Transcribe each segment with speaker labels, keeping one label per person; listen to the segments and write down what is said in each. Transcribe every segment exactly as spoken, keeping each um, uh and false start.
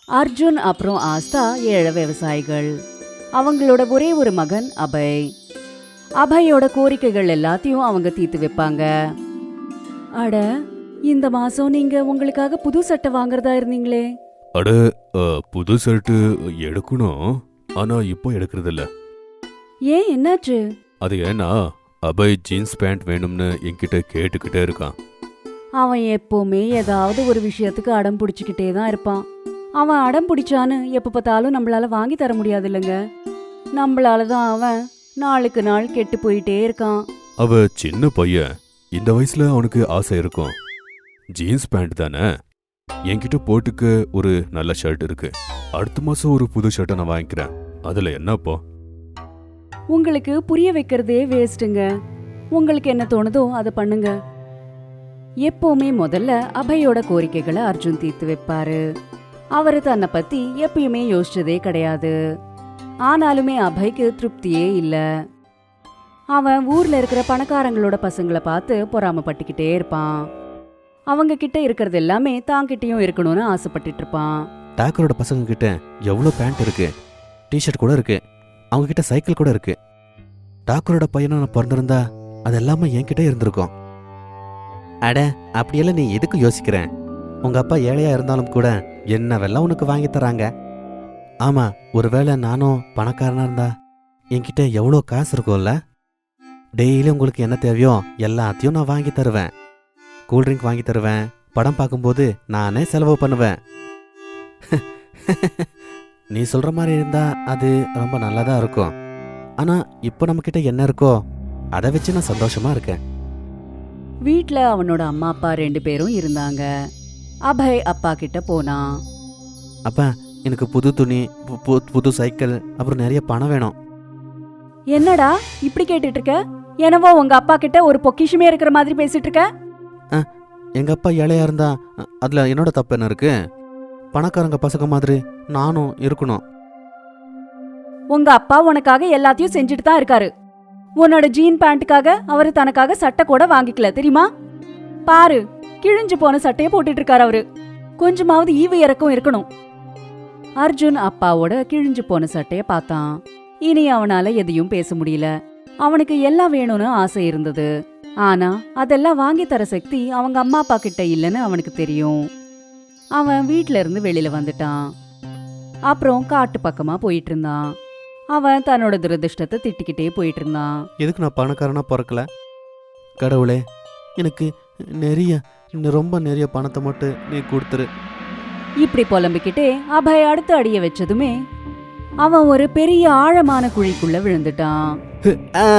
Speaker 1: அர்ஜுன் அப்புறம் ஆஸ்தா ஏழை விவசாயிகள். அவங்களோட ஒரே ஒரு மகன் அபய். அபயோட கோரிக்கைகள் எல்லாத்தையும் அவங்க தீர்த்து வைப்பாங்க. அட, இந்த மாசம் நீங்க உங்களுக்காக புது சட்டை வாங்குறதா இருந்தீங்களே?
Speaker 2: அட, அ, புது ஷர்ட் எடுக்கணும். ஆனா இப்போ எடுக்கிறது இல்ல.
Speaker 1: ஏன், என்னாச்சு?
Speaker 2: அது ஏன்னா அபய் ஜீன்ஸ் பேண்ட் வேணும்னு என்கிட்ட கேட்டுக்கிட்டே இருக்கான்.
Speaker 1: அவன் எப்பவுமே ஏதாவது ஒரு விஷயத்துக்கு அடம் பிடிச்சிக்கிட்டே தான் இருப்பான். அவன் அடம் பிடிச்சான்னு எப்ப பார்த்தாலும் நம்மளால வாங்கி தர முடியாது இல்லைங்க. நம்மளால தான் அவன் நாளுக்கு நாள் கெட்டு போயிட்டே இருக்கான்.
Speaker 2: அவ சின்ன பையன், இந்த வயசுல அவனுக்கு ஆசை இருக்கும். ஜீன்ஸ் பேண்ட் தானே, என்கிட்ட போட்டுக்க ஒரு நல்ல ஷர்ட் இருக்கு. அடுத்த மாசம் ஒரு புது ஷர்ட்டை நான் வாங்கிக்கிறேன். அதுல என்னப்போ?
Speaker 1: உங்களுக்கு புரிய வைக்கிறதே வேஸ்ட்டுங்க. உங்களுக்கு என்ன தோணுதோ அதை பண்ணுங்க. எப்பவுமே முதல்ல அபயோட கோரிக்கைகளை அர்ஜுன் தீர்த்து வைப்பாரு. அவரு தன்னை பத்தி எப்பயுமே யோசிச்சதே கிடையாது. ஆனாலுமே அபய்க்கு திருப்தியே இல்ல. அவன் ஊர்ல இருக்கிற பணக்காரங்களோட பசங்களை பார்த்து பொறாமப்பட்டுக்கிட்டே இருப்பான். அவங்க கிட்ட இருக்கிறது எல்லாமே தாங்கிட்டையும் இருக்கணும்னு ஆசைப்பட்டுட்டு இருப்பான்.
Speaker 3: டாக்கரோட பசங்க கிட்ட எவ்வளோ பேண்ட் இருக்கு, டிஷர்ட் கூட இருக்கு, அவங்க கிட்ட சைக்கிள் கூட இருக்கு. டாக்கரோட பையனா நான் பிறந்திருந்தா அது எல்லாமே என்கிட்ட இருந்திருக்கும். அட, அப்படியெல்லாம் நீ எதுக்கு யோசிக்கிறேன்? உங்க அப்பா ஏழையா இருந்தாலும் கூட என்னவெல்லாம் உனக்கு வாங்கி தராங்க. ஆமா, ஒருவேளை நானும் பணக்காரனா இருந்தா என்கிட்ட எவ்வளோ காசு இருக்கும்ல. டெய்லி உங்களுக்கு என்ன தேவையோ எல்லாத்தையும் நான் வாங்கி தருவேன். கூல்ட்ரிங்க் வாங்கி தருவேன். படம் பார்க்கும்போது நானே செலவு பண்ணுவேன். நீ சொல்ற மாதிரி இருந்தா அது ரொம்ப நல்லதா இருக்கும். ஆனா இப்போ நம்ம கிட்ட என்ன இருக்கோ அதை வச்சு நான் சந்தோஷமா இருக்கேன்.
Speaker 1: வீட்ல அவனோட அம்மா அப்பா ரெண்டு பேரும் இருந்தாங்க. அபய் அப்பா கிட்ட போனான்.
Speaker 3: அப்பா, எனக்கு புது துணி, பு- பு- புது சைக்கிள், அப்புறம் நிறைய பணம் வேணும்.
Speaker 1: என்னடா இப்படி கேட்டுட்டு இருக்க? என்னவோ உங்க அப்பா கிட்ட ஒரு பொக்கிஷமே இருக்கிற மாதிரி பேசிட்டு இருக்க.
Speaker 3: எங்க அப்பா ஏழையா இருந்தா அ- அதுல என்னோட தப்பு என்ன இருக்கு? பணக்காரங்க பசங்க மாதிரி நானும் இருக்கணும்.
Speaker 1: உங்க அப்பா உனக்காக எல்லாத்தையும் செஞ்சுட்டு தான் இருக்காரு. உன்னோட ஜீன் பேண்ட்டுக்காக அவரு தனக்காக சட்டை கூட வாங்கிக்கல, தெரியுமா? பாரு, கிழிஞ்சு போன சட்டையை போட்டுட்டு இருக்காரு அவரு. கொஞ்சமாவது ஈவு இறக்கம் இருக்கணும். அர்ஜுன் அப்பாவோட கிழிஞ்சு போன சட்டைய பார்த்தான். இனி அவனால எதையும் பேச முடியல. அவனுக்கு எல்லாம் வேணும்னு ஆசை இருந்தது. ஆனா அதெல்லாம் வாங்கி தர சக்தி அவங்க அம்மா அப்பா கிட்ட இல்லைன்னு அவனுக்கு தெரியும். அவன் வீட்ல இருந்து வெளியில வந்துட்டான். அப்புறம் காட்டு பக்கமா போயிட்டு இருந்தான். அவன் தன்னோட துரதிருஷ்டத்தை திட்டிக்கிட்டே போயிட்டு இருந்தான்.
Speaker 3: எதுக்கு நான் பணக்காரனா பிறக்கல? கடவுளே, எனக்கு நிறைய இன்னும் ரொம்ப நிறைய பணத்தை மட்டும் நீ கொடுத்துரு.
Speaker 1: இப்படி புலம்பிக்கிட்டே அபய் அடுத்த அடிய வச்சதுமே அவன் ஒரு பெரிய ஆழமான குழிக்குள்ள விழுந்துட்டான்.
Speaker 3: ஆ,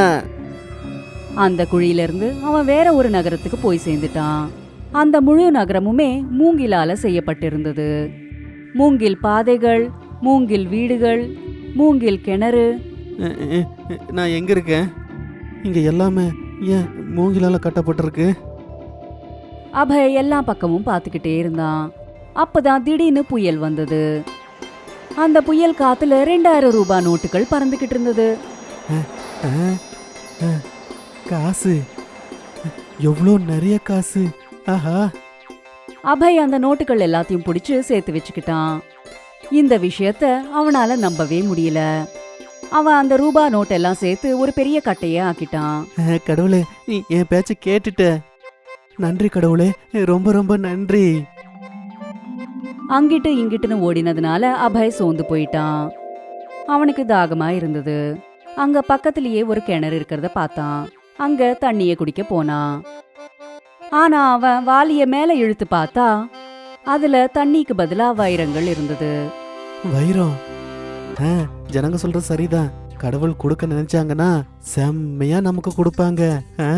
Speaker 1: அந்த குழியில இருந்து அவன் வேற ஒரு நகரத்துக்கு போய் சேர்ந்துட்டான். அந்த முழு நகரமுமே மூங்கிலால செய்யப்பட்டிருந்தது. மூங்கில் பாதைகள், மூங்கில் வீடுகள், மூங்கில் கிணறு.
Speaker 3: அ, அ, அ, நான் எங்க இருக்கேன்? இங்க எல்லாமே ஏன் மூங்கிலால கட்டப்பட்டிருக்கு?
Speaker 1: அபய் எல்லா பக்கமும் பார்த்துக்கிட்டே இருந்தான். அப்பதான் திடீர்னு புயல் வந்தது. அந்த புயல் காத்துல ரெண்டாயிரம் ரூபாய் நோட்டுகள் பறந்துகிட்டு இருந்தது.
Speaker 3: ஆ, ஆ, காசு, எவ்வளோ நிறைய காசு. ஆஹா,
Speaker 1: அபய் அந்த நோட்டுகள் எல்லாத்தையும் பிடிச்சு சேர்த்து வச்சுக்கிட்டான். இந்த விஷயத்த அவனால நம்பவே முடியல. அவன் அந்த ரூபா நோட்டெல்லாம் சேர்த்து ஒரு பெரிய கட்டைய ஆக்கிட்டான்.
Speaker 3: அ, கடவுளே, நீ என் பேச்ச கேட்டுட்ட. நன்றி கடவுளே, ரொம்ப ரொம்ப நன்றி.
Speaker 1: அங்கிட்டு இங்கிட்டுன்னு ஓடினதுனால அபய் சோர்ந்து போயிட்டான். அவனுக்கு தாகமா இருந்தது. அங்க பக்கத்திலேயே ஒரு கிணறு இருக்கிறத பார்த்தான். அங்க தண்ணிய குடிக்க போனான். ஆனா அவன் வாளிய மேல இழுத்து பார்த்தா அதுல தண்ணிக்கு பதிலா வைரங்கள் இருந்தது.
Speaker 3: வைரம்? ஆ, ஜனங்க சொல்ற சரிதான். கடவுள் கொடுக்க நினைச்சாங்கன்னா செம்மையா நமக்கு கொடுப்பாங்க. ஆ.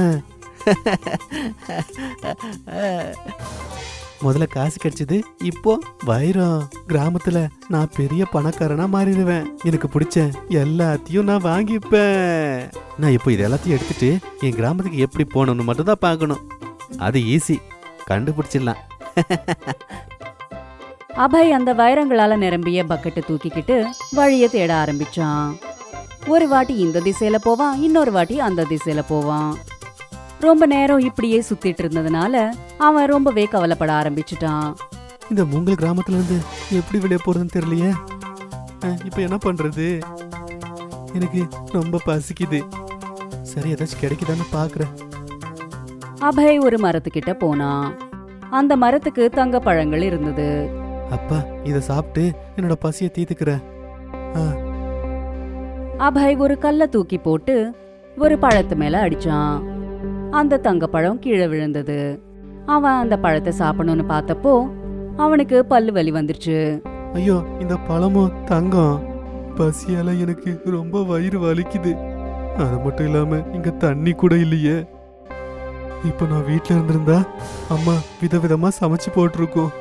Speaker 3: முதல்ல காசு கிடைச்சது, இப்போ வைரம். கிராமத்துல நான் பெரிய பணக்காரனா மாறிடுவேன். எனக்கு பிடிச்ச எல்லாத்தையும் நான் வாங்கிப்பேன். நான் இப்போ இது எல்லாத்தையும் எடுத்துட்டு என் கிராமத்துக்கு எப்படி போகணும்னு மட்டும் தான் பார்க்கணும். அது ஈஸி, கண்டுபிடிச்சிடலாம்.
Speaker 1: அபய் அந்த வைரங்களால நிரம்பிய பக்கெட்டை தூக்கிக்கிட்டு வழிய தேட ஆரம்பிச்சான். ஒரு வாட்டி இந்த திசையில போவான், இன்னொரு வாட்டி அந்த திசையில போவான். ரொம்ப நேரம் இப்படியே சுத்திட்டு இருந்ததுனால அவன் ரொம்பவே கவலைப்பட ஆரம்பிச்சுட்டான்.
Speaker 3: இந்த மூங்கல் கிராமத்துல இருந்து எப்படி வெளியே போறதுன்னு தெரியலையே. அஹ், இப்ப என்ன பண்றது? எனக்கு ரொம்ப பசிக்குது. சரி, ஏதாச்சும் கிடைக்குதான்னு பாக்குறேன்.
Speaker 1: அபய் ஒரு மரத்துக்கிட்ட போனான். அந்த மரத்துக்கு தங்க பழங்கள் இருந்தது.
Speaker 3: அப்பா, இத சாப்பிட்டு என்னோட பசியை தீத்துக்கிறேன். ஆ,
Speaker 1: அபய் ஒரு கல்ல தூக்கி போட்டு ஒரு பழத்து மேல அடிச்சான். அந்த தங்கப்பழம் கீழே விழுந்தது. அவன் அந்த பழத்தை சாப்பிடணும்னு பார்த்தப்போ அவனுக்கு பல்லு வலி வந்துருச்சு.
Speaker 3: ஐயோ, இந்த பழமும் தங்கம். பசியால எனக்கு ரொம்ப வயிறு வலிக்குது. அது மட்டும் இல்லாம இங்க தண்ணி கூட இல்லையே. இப்ப நான் வீட்ல இருந்திருந்தா அம்மா விதவிதமா சமைச்சு போட்டிருக்கோம்.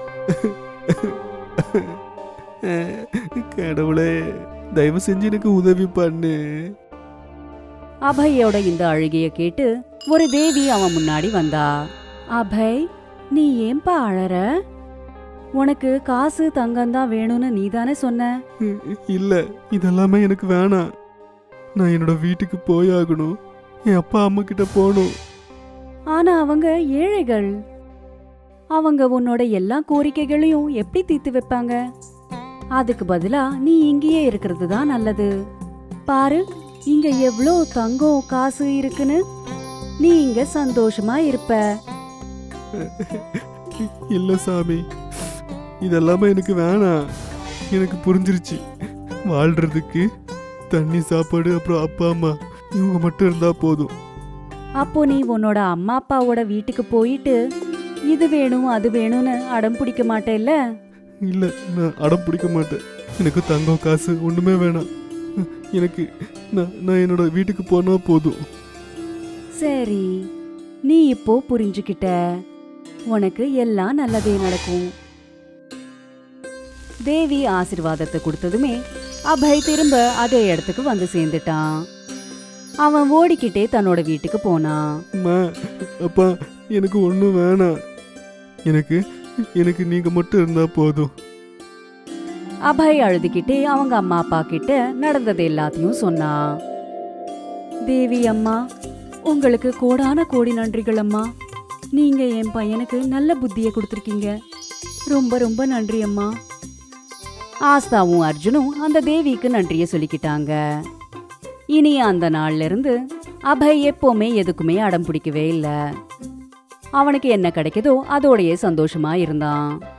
Speaker 3: கடவுளே, தயவு செஞ்சு எனக்கு உதவி பண்ணு.
Speaker 1: அபயோட இந்த அழுகைய கேட்டு ஒரு தேவி அவன் முன்னாடி வந்தா. அபய், நீ ஏன்பா அழற? உனக்கு காசு தங்கம் தான் வேணும்னு நீதானே சொன்ன.
Speaker 3: இல்ல, இதெல்லாமே எனக்கு வேணாம். நான் என்னோட வீட்டுக்கு போயாகணும். என் அப்பா அம்மா கிட்ட போகணும்.
Speaker 1: ஆனா அவங்க ஏழைகள். அவங்க உன்னோட எல்லா கோரிக்கைகளையும் எப்படி தீர்த்து வைப்பாங்க? அதுக்கு பதிலா நீ இங்கேயே இருக்கிறது தான் நல்லது. பாரு, இங்க எவ்ளோ தங்கம் காசு இருக்குன்னு. நீ இங்க சந்தோஷமா இருப்ப.
Speaker 3: இல்ல சாமி, இதெல்லாமே எனக்கு வேணாம். எனக்கு புரிஞ்சிருச்சு. வாழ்றதுக்கு தண்ணி, சாப்பாடு, அப்புறம் அப்பா அம்மா இவங்க மட்டும் இருந்தா போதும்.
Speaker 1: அப்போ நீ உன்னோட அம்மா அப்பாவோட வீட்டுக்கு போயிட்டு இது வேணும் அது வேணும்னு அடம் பிடிக்க மாட்டேல்ல?
Speaker 3: இல்ல, நான் அடம் பிடிக்க மாட்டேன். எனக்கு தங்கம் காசு ஒண்ணுமே வேணாம். எனக்கு நான் நான் என்னோட வீட்டுக்கு போனா போதும்.
Speaker 1: சரி, நீ இப்போ புரிஞ்சுக்கிட்ட. உனக்கு எல்லாம் நல்லதே நடக்கும். தேவி ஆசீர்வாதத்தை கொடுத்ததுமே அபய் திரும்ப அதே இடத்துக்கு வந்து சேர்ந்துட்டான். அவன் ஓடிக்கிட்டே தன்னோட வீட்டுக்கு போனான்.
Speaker 3: அம்மா, அப்பா, எனக்கு ஒண்ணும் வேணாம். எனக்கு எனக்கு நீங்க மட்டும் இருந்தா போதும்.
Speaker 1: அபய் அழுதுகிட்டே அவங்க அம்மா அப்பா கிட்ட நடந்தது எல்லாத்தையும் சொன்னான். தேவி அம்மா, உங்களுக்கு கோடான கோடி நன்றிகள் அம்மா. நீங்க என் பையனுக்கு நல்ல புத்தியை கொடுத்துருக்கீங்க. ரொம்ப ரொம்ப நன்றி அம்மா. ஆஸ்தாவும் அர்ஜுனும் அந்த தேவிக்கு நன்றிய சொல்லிக்கிட்டாங்க. இனி அந்த நாள்ல இருந்து அபய் எப்பவுமே எதுக்குமே அடம் பிடிக்கவே இல்லை. அவனுக்கு என்ன கிடைக்குதோ அதோடயே சந்தோஷமா இருந்தான்.